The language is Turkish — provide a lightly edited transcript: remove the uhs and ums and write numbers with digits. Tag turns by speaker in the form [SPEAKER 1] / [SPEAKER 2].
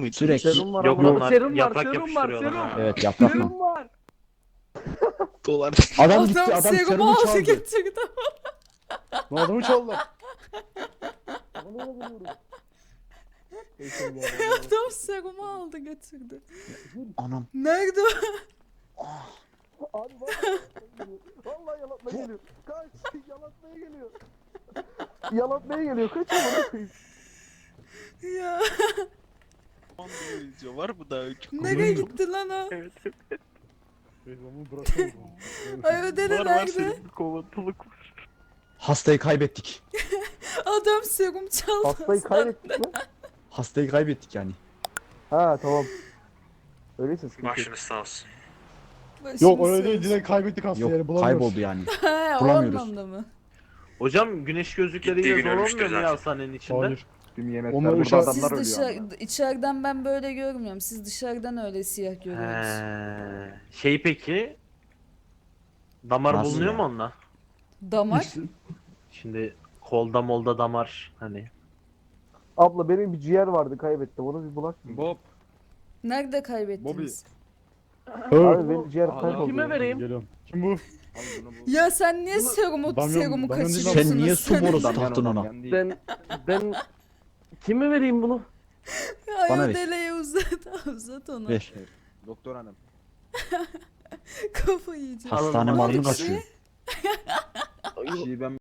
[SPEAKER 1] muydu?
[SPEAKER 2] Sürekli.
[SPEAKER 3] Serum var
[SPEAKER 4] Yok
[SPEAKER 3] ama.
[SPEAKER 4] onlar
[SPEAKER 3] Serum var,
[SPEAKER 4] yaprak
[SPEAKER 3] serum var,
[SPEAKER 4] yapıştırıyorlar
[SPEAKER 3] serum.
[SPEAKER 4] ha.
[SPEAKER 2] Evet yaprak mı?
[SPEAKER 3] Serum var.
[SPEAKER 1] Dolar.
[SPEAKER 2] Adam gitti adam
[SPEAKER 5] serumu
[SPEAKER 2] serumu
[SPEAKER 5] aldı
[SPEAKER 2] çaldı.
[SPEAKER 5] getirdi.
[SPEAKER 2] Ne adamı çaldı.
[SPEAKER 5] Adam serumu aldı getirdi.
[SPEAKER 2] Anam.
[SPEAKER 5] Nerede o?
[SPEAKER 3] Abi vallahi vallahi yalatmaya geliyor. Kaç, yalatmaya geliyor. Yalatmaya geliyor. Kaç amına koyayım.
[SPEAKER 5] Ya
[SPEAKER 1] Var mı daha?
[SPEAKER 5] nereye gitti lan o?
[SPEAKER 4] Evet.
[SPEAKER 5] Ay ödedi
[SPEAKER 4] Var
[SPEAKER 5] nerede?
[SPEAKER 4] senin bir kovatılık var.
[SPEAKER 2] Hastayı kaybettik.
[SPEAKER 5] Adam serum çaldı.
[SPEAKER 3] Hastayı kaybettik mi?
[SPEAKER 2] Hastayı kaybettik yani.
[SPEAKER 3] Ha tamam. Öyleyse sıkıntı yok.
[SPEAKER 4] Başınız sağ olsun.
[SPEAKER 6] Yok öyle değil, direkt kaybettik hastayı,
[SPEAKER 2] Yok
[SPEAKER 6] yani bulamıyoruz.
[SPEAKER 2] kayboldu yani.
[SPEAKER 5] He o
[SPEAKER 2] bulamıyoruz.
[SPEAKER 5] anlamda mı?
[SPEAKER 4] Hocam güneş gözlükleriyle
[SPEAKER 7] Gittiği gün
[SPEAKER 4] zor
[SPEAKER 7] ölmüştür
[SPEAKER 4] olmuyor mu ya
[SPEAKER 7] zaten.
[SPEAKER 4] hastanenin içinde?
[SPEAKER 6] Hayır.
[SPEAKER 3] Tüm yemekler
[SPEAKER 6] Onlar
[SPEAKER 3] burada
[SPEAKER 6] uşak-
[SPEAKER 3] adamlar
[SPEAKER 5] Siz
[SPEAKER 3] ölüyor ama.
[SPEAKER 5] içeriden ben böyle görmüyorum. Siz dışarıdan öyle siyah görüyorsunuz.
[SPEAKER 4] Şey peki damar
[SPEAKER 2] Nasıl
[SPEAKER 4] bulunuyor
[SPEAKER 2] ya?
[SPEAKER 4] mu onunla?
[SPEAKER 5] Damar?
[SPEAKER 4] Şimdi kolda molda damar hani.
[SPEAKER 3] Abla benim bir ciğer vardı kaybettim. Onu bir bulak.
[SPEAKER 8] Bob.
[SPEAKER 5] Nerede kaybettiniz?
[SPEAKER 3] Abi benim ciğer kayboldu.
[SPEAKER 8] Kime vereyim?
[SPEAKER 6] Geliyorum. Kim bu?
[SPEAKER 5] Ya sen niye serumu
[SPEAKER 6] Damyan-
[SPEAKER 5] serumu
[SPEAKER 6] Damyan değil
[SPEAKER 5] kaçırıyorsunuz?
[SPEAKER 2] Sen niye su borusu
[SPEAKER 3] Ben
[SPEAKER 2] taktın
[SPEAKER 3] ondan
[SPEAKER 2] ona?
[SPEAKER 3] yan değil.
[SPEAKER 8] Ben kime vereyim bunu?
[SPEAKER 5] Ay
[SPEAKER 2] Bana
[SPEAKER 5] o
[SPEAKER 2] ver.
[SPEAKER 5] deleği uzat onu.
[SPEAKER 2] Ver.
[SPEAKER 3] Doktor hanım.
[SPEAKER 5] Kafayı yiyeceğim.
[SPEAKER 2] Hastane
[SPEAKER 5] Ne
[SPEAKER 2] malını
[SPEAKER 5] oldu
[SPEAKER 2] kaçıyor.
[SPEAKER 3] Kişiyi ben